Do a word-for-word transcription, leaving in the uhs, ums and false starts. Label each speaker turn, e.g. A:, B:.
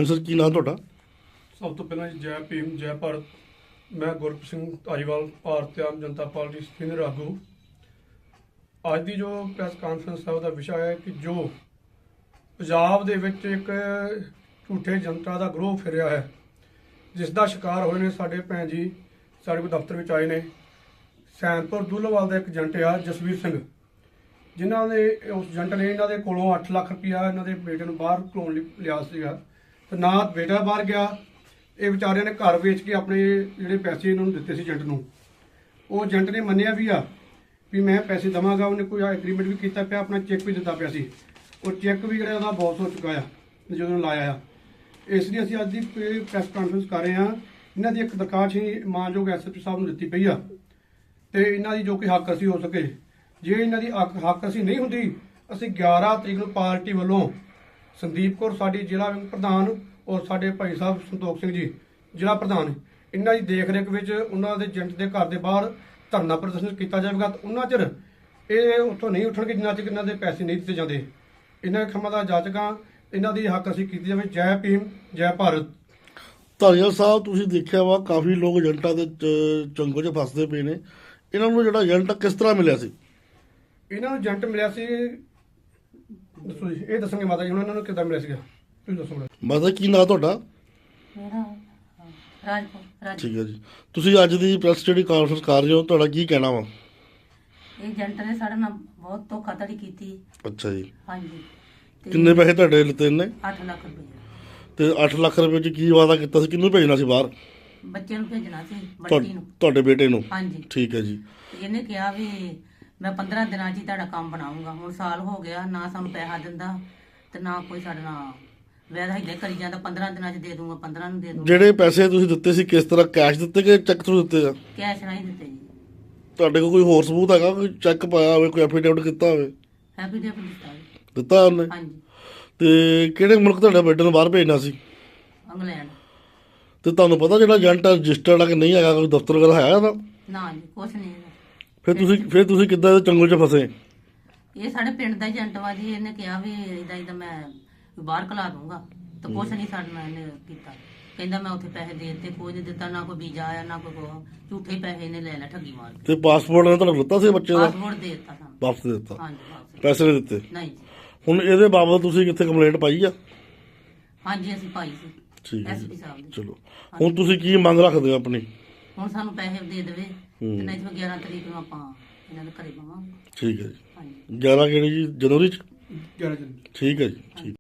A: हाँ सर, की नाम ਤੁਹਾਡਾ?
B: ਸਭ ਤੋਂ ਪਹਿਲਾਂ ਜੀ ਜੈ ਭੀਮ ਜੈ ਭਾਰਤ। ਮੈਂ ਗੁਰਪ੍ਰੀਤ ਸਿੰਘ ਧਾਰੀਵਾਲ, ਭਾਰਤੀ ਆਮ ਜਨਤਾ ਪਾਰਟੀ ਸੀਨੀਅਰ ਆਗੂ। ਅੱਜ ਦੀ ਜੋ ਪ੍ਰੈਸ ਕਾਨਫਰੰਸ ਹੈ ਉਹਦਾ ਵਿਸ਼ਾ ਹੈ ਕਿ ਜੋ ਪੰਜਾਬ ਦੇ ਵਿੱਚ ਇੱਕ ਝੂਠੇ ਜਨਤਾ ਦਾ ਗਰੋਹ ਫਿਰਿਆ ਹੈ, ਜਿਸ ਦਾ ਸ਼ਿਕਾਰ ਹੋਏ ਨੇ ਸਾਡੇ ਭੈਣ ਜੀ ਸਾਡੇ ਕੋਲ ਦਫ਼ਤਰ ਵਿੱਚ ਆਏ ਨੇ। ਸੈਨਪੁਰ ਦੁੱਲਵਾਲ ਦਾ ਇੱਕ ਏਜੰਟ ਆ ਜਸਵੀਰ ਸਿੰਘ, ਜਿਨ੍ਹਾਂ ਨੇ ਉਸ ਏਜੰਟ ਨੇ ਇਹਨਾਂ ਦੇ ਕੋਲੋਂ ਅੱਠ ਲੱਖ ਰੁਪਇਆ ਇਹਨਾਂ ਦੇ ਬੇਟੇ ਨੂੰ ਬਾਹਰ ਘਲਾਉਣ ਲਈ ਲਿਆ ਸੀਗਾ, ਤੇ ਨਾ ਬੇਟਾ ਬਾਹਰ ਗਿਆ। ਇਹ ਵਿਚਾਰਿਆਂ ਨੇ ਘਰ ਵੇਚ ਕੇ ਆਪਣੇ ਜਿਹੜੇ ਪੈਸੇ ਇਹਨਾਂ ਨੂੰ ਦਿੱਤੇ ਸੀ ਏਜੰਟ ਨੂੰ। ਉਹ ਏਜੰਟ ਨੇ ਮੰਨਿਆ ਵੀ ਆ ਵੀ ਮੈਂ ਪੈਸੇ ਦੇਵਾਂਗਾ, ਉਹਨੇ ਕੋਈ ਐਗਰੀਮੈਂਟ ਵੀ ਕੀਤਾ ਪਿਆ, ਆਪਣਾ ਚੈੱਕ ਵੀ ਦਿੱਤਾ ਪਿਆ ਸੀ। ਉਹ ਚੈੱਕ ਵੀ ਜਿਹੜਾ ਉਹਦਾ ਬਾਉਂਸ ਹੋ ਚੁੱਕਾ ਆ ਜਦੋਂ ਲਾਇਆ ਆ। ਇਸ ਲਈ ਅਸੀਂ ਅੱਜ ਦੀ ਪ੍ਰੈਸ ਕਾਨਫਰੰਸ ਕਰ ਰਹੇ ਹਾਂ। ਇਹਨਾਂ ਦੀ ਇੱਕ ਦਰਖਾਸਤ ਹੀ ਮਾਨਯੋਗ ਐਸ ਐਸ ਪੀ ਸਾਹਿਬ ਨੂੰ ਦਿੱਤੀ ਪਈ ਆ, ਤੇ ਇਹਨਾਂ ਦੀ ਜੋ ਕਿ ਹੱਕ ਅਸੀਂ ਹੋ ਸਕੇ, ਜੇ ਇਹਨਾਂ ਦੀ ਹੱਕ ਹੱਕ ਅਸੀਂ ਨਹੀਂ ਹੁੰਦੀ, ਅਸੀਂ ਗਿਆਰਾਂ ਤਰੀਕ ਨੂੰ ਪਾਰਟੀ ਵੱਲੋਂ ਸੰਦੀਪ ਕੌਰ ਸਾਡੀ ਜ਼ਿਲ੍ਹਾ ਵਿੰਗ ਪ੍ਰਧਾਨ ਔਰ ਸਾਡੇ ਭਾਈ ਸਾਹਿਬ ਸੰਤੋਖ ਸਿੰਘ ਜੀ ਜ਼ਿਲ੍ਹਾ ਪ੍ਰਧਾਨ, ਇਹਨਾਂ ਦੀ ਦੇਖ ਰੇਖ ਵਿੱਚ ਉਹਨਾਂ ਦੇ ਏਜੰਟ ਦੇ ਘਰ ਦੇ ਬਾਹਰ ਧਰਨਾ ਪ੍ਰਦਰਸ਼ਨ ਕੀਤਾ ਜਾਵੇਗਾ। ਉਹਨਾਂ ਚਿਰ ਇਹ ਉੱਥੋਂ ਨਹੀਂ ਉੱਠਣਗੇ ਜਿੰਨਾ ਚਿਰ ਇਹਨਾਂ ਦੇ ਪੈਸੇ ਨਹੀਂ ਦਿੱਤੇ ਜਾਂਦੇ। ਇਹਨਾਂ ਖੰਮਾਂ ਦਾ ਜਾਚਕਾਂ ਇਹਨਾਂ ਦੀ ਹੱਕ ਅਸੀਂ ਕੀਤੀ ਜਾਵੇ। ਜੈ ਭੀਮ ਜੈ ਭਾਰਤ।
A: ਧਾਰੀਵਾਲ ਸਾਹਿਬ, ਤੁਸੀਂ ਦੇਖਿਆ ਵਾ ਕਾਫੀ ਲੋਕ ਏਜੰਟਾਂ ਦੇ ਚ- ਚੰਗੋ 'ਚ ਫਸਦੇ ਪਏ ਨੇ। ਇਹਨਾਂ ਨੂੰ ਜਿਹੜਾ ਏਜੰਟ ਕਿਸ ਤਰ੍ਹਾਂ ਮਿਲਿਆ ਸੀ?
B: ਇਹਨਾਂ ਨੂੰ ਏਜੰਟ ਮਿਲਿਆ ਸੀ, ਦੱਸੋ ਜੀ, ਇਹ ਦੱਸਣਗੇ ਮਾਤਾ ਜੀ ਹੁਣ ਇਹਨਾਂ ਨੂੰ ਕਿੱਦਾਂ ਮਿਲਿਆ ਸੀਗਾ, ਤੁਸੀਂ ਦੱਸੋ ਮੈਨੂੰ।
A: ਮਾਤਾ, ਕੀ ਨਾਂ ਤੁਹਾਡਾ?
C: ਮੇਰਾ ਰਾਜਪੁਰ ਰਾਜ
A: ਠੀਕ ਹੈ ਜੀ। ਤੁਸੀਂ ਅੱਜ ਦੀ ਪ੍ਰੈਸ ਜਿਹੜੀ ਕਾਨਫਰੰਸ ਕਰ ਰਹੇ ਹੋ, ਤੁਹਾਡਾ ਕੀ ਕਹਿਣਾ ਵਾ?
C: ਇਹ ਏਜੰਟ ਨੇ ਸਾਡੇ ਨਾਲ ਬਹੁਤ ਧੋਖਾਧੜੀ ਕੀਤੀ।
A: ਅੱਛਾ ਜੀ।
C: ਹਾਂਜੀ। ਤੇ
A: ਕਿੰਨੇ ਪੈਸੇ ਤੁਹਾਡੇ ਲਿੱਤੇ ਨੇ?
C: ਅੱਠ ਲੱਖ ਰੁਪਏ
A: ਤੇ ਅੱਠ ਲੱਖ ਰੁਪਏ 'ਚ ਕੀ ਵਾਅਦਾ ਕੀਤਾ ਸੀ? ਕਿਹਨੂੰ ਭੇਜਣਾ ਸੀ ਬਾਹਰ?
C: ਬੱਚੇ ਨੂੰ ਭੇਜਣਾ ਸੀ,
A: ਤੁਹਾ-
C: ਬੱਚੀ ਨੂੰ।
A: ਤੁਹਾਡੇ ਬੇਟੇ ਨੂੰ?
C: ਹਾਂਜੀ।
A: ਠੀਕ ਹੈ ਜੀ।
C: ਤੇ ਇਹਨੇ ਕਿਹਾ ਵੀ ਮੈਂ ਪੰਦਰਾਂ ਦਿਨਾਂ 'ਚ ਹੀ ਤੁਹਾਡਾ ਕੰਮ ਬਣਾਉਂਗਾ। ਹੁਣ ਸਾਲ ਹੋ ਗਿਆ, ਨਾ ਸਾਨੂੰ ਪੈਸਾ ਦਿੰਦਾ ਤੇ ਨਾ ਕੋਈ ਸਾਡੇ ਨਾਲ ਵੈਦਾ ਹਿੱਲੇ ਕਰੀ ਜਾਂਦਾ। ਪੰਦਰਾਂ ਦਿਨਾਂ 'ਚ ਦੇ ਦੂੰਗਾ, ਪੰਦਰਾਂ ਨੂੰ ਦੇ ਦੂੰਗਾ।
A: ਜਿਹੜੇ ਪੈਸੇ ਤੁਸੀਂ ਦਿੱਤੇ ਸੀ ਕਿਸ ਤਰ੍ਹਾਂ, ਕੈਸ਼ ਦਿੱਤੇ ਕਿ ਚੈੱਕ ਥਰੂ ਦਿੱਤੇ ਆ?
C: ਕੈਸ਼ ਨਹੀਂ ਦਿੱਤੇ ਜੀ।
A: ਤੁਹਾਡੇ ਕੋਲ ਕੋਈ ਹੋਰ ਸਬੂਤ ਹੈਗਾ, ਕੋਈ ਚੈੱਕ ਪਾਇਆ ਹੋਵੇ, ਕੋਈ ਐਫੀਡੇਵਿਟ ਕੀਤਾ ਹੋਵੇ?
C: ਹੈਪੀ ਡੇ ਦਿੱਤਾ ਜੀ।
A: ਦਿੱਤਾ ਉਹਨੇ?
C: ਹਾਂਜੀ।
A: ਤੇ ਕਿਹੜੇ ਮੁਲਕ ਤੁਹਾਡੇ ਬੇਟੇ ਨੂੰ ਬਾਹਰ ਭੇਜਣਾ ਸੀ?
C: ਇੰਗਲੈਂਡ।
A: ਤੇ ਤੁਹਾਨੂੰ ਪਤਾ ਜਿਹੜਾ ਏਜੰਟ ਰਜਿਸਟਰਡ ਆ ਕਿ ਨਹੀਂ ਹੈਗਾ, ਕੋਈ ਦਫ਼ਤਰ ਵਗੈਰਾ ਹੈ ਇਹਦਾ?
C: ਨਾ ਜੀ, ਕੁਛ ਨਹੀਂ ਹੈਗਾ।
A: ਫਿਰ ਤੁਸੀਂ ਫਿਰ ਤੁਸੀਂ ਕਿੱਦਾਂ ਇਹਦੇ ਚੰਗਲ 'ਚ ਫਸੇ?
C: ਇਹ ਸਾਡੇ ਪਿੰਡ ਦਾ ਏਜੰਟ ਵਾ ਜੀ। ਇਹਨੇ ਕਿਹਾ ਵੀ ਇਦਾਂ ਇਦਾਂ ਮੈਂ ਬਾਹਰ ਕਲਾ ਦੂੰਗਾ, ਤੇ ਕੁਛ ਨਹੀਂ ਸਾਡੇ ਨਾਲ ਇਹਨੇ ਕੀਤਾ। ਕਹਿੰਦਾ ਮੈਂ ਉੱਥੇ ਪੈਸੇ ਦੇ ਦਿੱਤੇ, ਕੋਈ ਨਹੀਂ ਦਿੱਤਾ, ਨਾ ਕੋਈ ਵੀਜ਼ਾ ਆਇਆ ਨਾ ਕੋਈ ਕੁਛ। ਝੂਠੇ ਪੈਸੇ ਇਹਨੇ ਲੈ ਲੈ ਠੱਗੀ ਮਾਰ ਕੇ।
A: ਤੇ ਪਾਸਪੋਰਟ ਨੇ ਤੁਹਾਨੂੰ ਦਿੱਤਾ ਸੀ ਬੱਚੇ ਦਾ?
C: ਪਾਸਪੋਰਟ ਦੇ ਦਿੱਤਾ ਸਾਨੂੰ।
A: ਵਾਪਸ ਦੇ ਦਿੱਤਾ?
C: ਹਾਂਜੀ, ਵਾਪਸ।
A: ਪੈਸੇ ਨਹੀਂ ਦਿੱਤੇ?
C: ਨਹੀਂ ਜੀ।
A: ਹੁਣ ਇਹਦੇ ਬਾਬਤ ਤੁਸੀਂ ਕਿੱਥੇ ਕੰਪਲੇਂਟ ਪਾਈ ਆ?
C: ਹਾਂਜੀ, ਅਸੀਂ ਪਾਈ ਸੀ
A: ਠੀਕ ਹੈ
C: ਐਸਪੀ
A: ਜੀ।
C: ਸਾਹਿਬ ਦੀ।
A: ਚਲੋ, ਹੁਣ ਤੁਸੀਂ ਕੀ ਮੰਗ ਰੱਖਦੇ ਹੋ ਆਪਣੀ?
C: ਹੁਣ ਸਾਨੂੰ ਪੈਸੇ ਦੇ ਦੇਵੇ,
A: ਹੂੰ।
C: ਤੇ ਨਹੀਂ ਤਾਂ ਗਿਆਰਾਂ ਤਰੀਕ ਨੂੰ ਆਪਾਂ ਇਹਨਾਂ ਦੇ ਘਰੇ ਪਾਵਾਂਗੇ।
A: ਠੀਕ ਹੈ ਜੀ।
C: ਹਾਂਜੀ।
A: ਗਿਆਰਾਂ ਕਿਹੜੀ ਜੀ, ਜਨਵਰੀ 'ਚ?
B: ਗਿਆਰਾਂ ਜਨ
A: ਠੀਕ ਹੈ ਜੀ। ਠੀਕ।